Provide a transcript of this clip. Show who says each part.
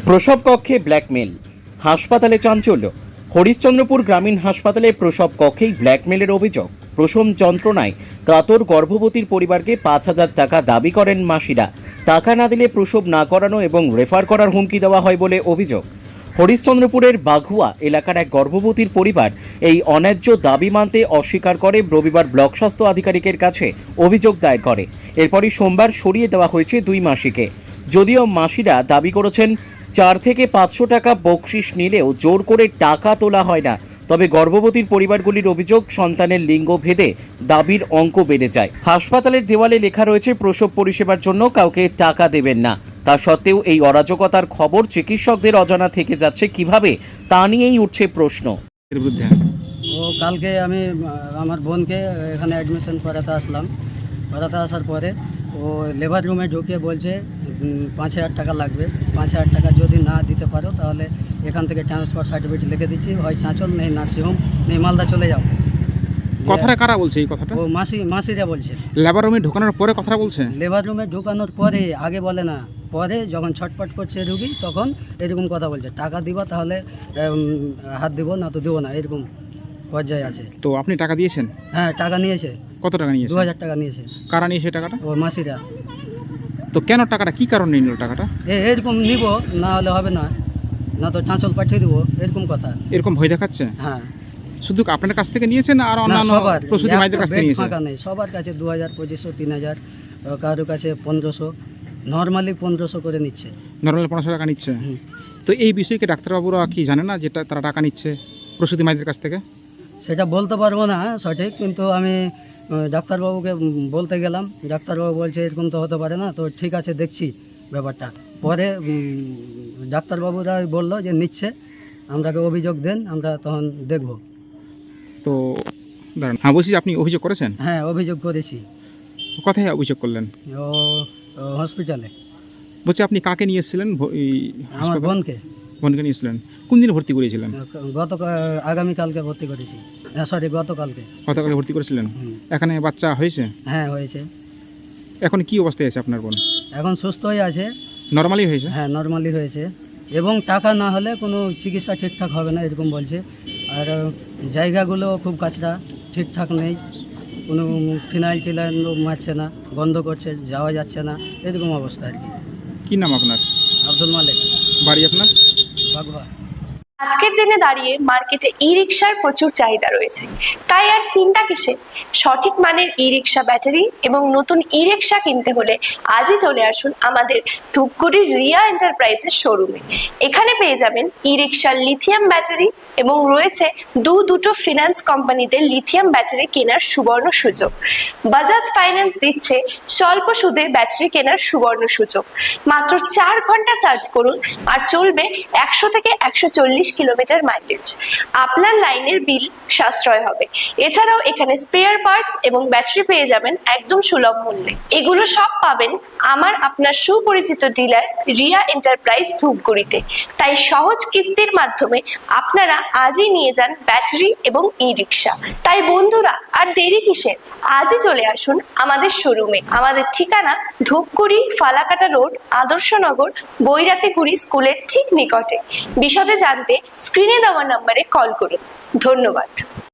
Speaker 1: প্রসব কক্ষে ব্ল্যাকমেল, হাসপাতালে চাঞ্চল্য। হরিশ্চন্দ্রপুর গ্রামীণ হাসপাতালে প্রসব কক্ষেই ব্ল্যাকমেলের অভিযোগ। প্রসব যন্ত্রণায় কাতর গর্ভবতীর পরিবারকে 5,000 টাকা দাবি করেন মাসিরা। টাকা না দিলে প্রসব না করানো এবং রেফার করার হুমকি দেওয়া হয় বলে অভিযোগ। হরিশ্চন্দ্রপুরের বাঘুয়া এলাকার এক গর্ভবতীর পরিবার এই অন্যায্য দাবি মানতে অস্বীকার করে রবিবার ব্লক স্বাস্থ্য আধিকারিকের কাছে অভিযোগ দায়ের করে। এরপরই সোমবার সরিয়ে দেওয়া হয়েছে দুই মাসিকে। যদিও মাসিরা দাবি করেছেন 4 থেকে 500 টাকা বকশিশ নিলেও জোর করে টাকা তোলা হয় না। তবে গর্ভবতীর পরিবারগুলির অভিযোগ, সন্তানের লিঙ্গ ভেদে দাবির অঙ্ক বেড়ে যায়। হাসপাতালের দেওয়ালে লেখা রয়েছে প্রসব পরিষেবার জন্য কাউকে টাকা দেবেন না। তা সত্ত্বেও এই অরাজকতার খবর চিকিৎসকদের অজানা থেকে যাচ্ছে কিভাবে, তা নিয়েই উঠছে প্রশ্ন।
Speaker 2: এর বিরুদ্ধে
Speaker 3: ও কালকে আমি আমার বোনকে এখানে অ্যাডমিশন করাতে আসলাম। করাতে আসার পরে ও লেবার রুমে ঢুকে বলছে 5,000 টাকা লাগবে। 5,000 টাকা যদি না দিতে পারো তাহলে এখান থেকে ট্রান্সফার সার্টিফিকেট লিখে দিচ্ছি, হয় চাঁচল নেই নার্সিংহোম নেই মালদা চলে যাও।
Speaker 2: কথাটা কারা বলছে এই কথাটা?
Speaker 3: ও মাসিরা বলছে।
Speaker 2: লেবার রুমে ঢোকানোর পরে কথাটা বলছে?
Speaker 3: লেবার রুমে ঢোকানোর পরে, আগে বলে না, পরে যখন ছটপট করছে রুগী তখন এরকম কথা বলছে, টাকা দিবা তাহলে হাত দিব, না তো দেবো না, এরকম পর্যায়ে আছে।
Speaker 2: তো আপনি টাকা দিয়েছেন?
Speaker 3: হ্যাঁ, টাকা নিয়েছে।
Speaker 2: কত টাকা নিয়েছে?
Speaker 3: 2,000 টাকা নিয়েছে।
Speaker 2: কারা নিয়েছে টাকাটা?
Speaker 3: ও মাসিরা।
Speaker 2: তো কেন টাকাটা, কি কারণে নিল টাকাটা?
Speaker 3: এরকম নিব, না হলে হবে না, না তো চাঁচল পাঠিয়ে দেবো, এরকম কথা।
Speaker 2: এরকম ভয় দেখাচ্ছে?
Speaker 3: হ্যাঁ।
Speaker 2: শুধু আপনার কাছ থেকে নিয়েছেন আর অন্যান্য প্রসূতি মায়েদের কাছ থেকে নিয়েছেন?
Speaker 3: ফাঁকা নেই, সবার কাছে 2,000, 2,500, 3,000, কারো কাছে 1,500, নর্মালি 1,500 করে নিচ্ছে।
Speaker 2: নর্মাল 500 টাকা নিচ্ছে? তো এই বিষয়কে ডাক্তারবাবুরা কি জানে না যেটা তারা টাকা নিচ্ছে প্রসূতি মায়েদের কাছ থেকে?
Speaker 3: সেটা বলতে পারবো না সঠিক, কিন্তু আমি ডাক্তারবাবুকে বলতে গেলাম, ডাক্তারবাবু বলছে এরকম তো হতে পারে না, তো ঠিক আছে দেখছি ব্যাপারটা। পরে ডাক্তারবাবুরা বললো যে নিচ্ছে, আমরাকে অভিযোগ দেন, আমরা তখন দেখব।
Speaker 2: তো দাঁড়ান, হ্যাঁ বলছি, আপনি অভিযোগ করেছেন?
Speaker 3: হ্যাঁ, অভিযোগ করেছি।
Speaker 2: কোথায় অভিযোগ করলেন?
Speaker 3: ও হসপিটালে।
Speaker 2: বলছি আপনি কাকে নিয়ে এসেছিলেন?
Speaker 3: আমার বোনকে।
Speaker 2: বোনকে নিয়ে এসেছিলেন? কোন দিন ভর্তি করেছিলেন?
Speaker 3: আগামীকালকে ভর্তি করেছি, সরি গতকালকে।
Speaker 2: গতকালে ভর্তি করেছিলেন? এখানে বাচ্চা হয়েছে?
Speaker 3: হ্যাঁ, হয়েছে।
Speaker 2: এখন কি অবস্থায় আছে আপনার বোন?
Speaker 3: এখন সুস্থ হয়ে আছে।
Speaker 2: নর্মালি হয়েছে?
Speaker 3: হ্যাঁ, নর্মালি হয়েছে, এবং টাকা না হলে কোনো চিকিৎসা ঠিকঠাক হবে না এরকম বলছে। আর জায়গাগুলো খুব কাছড়া, ঠিকঠাক নেই, কোনো ফিনাইল টিনাইল মারছে না, বন্ধ করছে, যাওয়া যাচ্ছে না, এরকম অবস্থা আর কি।
Speaker 2: কি নাম আপনার?
Speaker 3: আব্দুল মালিক।
Speaker 2: বাড়ি আপনার?
Speaker 3: বাঘুয়া।
Speaker 4: আজকের দিনে দাঁড়িয়ে মার্কেটে ই রিক্সার প্রচুর চাহিদা রয়েছে, তাই আর চিন্তা কিসে? সঠিক মানের ই রিক্সা ব্যাটারি এবং নতুন ই রিক্সা কিনতে হলে আজই চলে আসুন আমাদের ধূপগুড়ির রিয়া এন্টারপ্রাইজের শোরুমে। এখানে পেয়ে যাবেন ই রিক্সার লিথিয়াম ব্যাটারি এবং রয়েছে দুটো ফিনান্স কোম্পানিতে লিথিয়াম ব্যাটারি কেনার সুবর্ণ সুযোগ। বাজাজ ফাইন্যান্স দিচ্ছে স্বল্প সুদে ব্যাটারি কেনার সুবর্ণ সুযোগ। মাত্র 4 ঘন্টা চার্জ করুন আর চলবে 100 থেকে 140 কিলোমিটার মাইলেজ। আপনার লাইনের বিল সাশ্রয় হবে। এছাড়াও এখানে স্পেয়ার পার্টস এবং ব্যাটারি পেয়ে যাবেন একদম সুলভ মূল্যে। এগুলো সব পাবেন আমার আপনার সুপরিচিত ডিলার রিয়া এন্টারপ্রাইজ ধূপগুড়িতে। তাই সহজ কিস্তির মাধ্যমে আপনারা আজই নিয়ে যান ব্যাটারি এবং ই রিক্সা। তাই বন্ধুরা, আর দেরি কিসের? আজই চলে আসুন আমাদের শোরুমে। আমাদের ঠিকানা ধূপগুড়ি ফালাকাটা রোড, আদর্শনগর, বৈরাতিগুড়ি স্কুলের ঠিক নিকটে। বিশদে জানতে স্ক্রিনে দেওয়া নম্বরে কল করুন। ধন্যবাদ।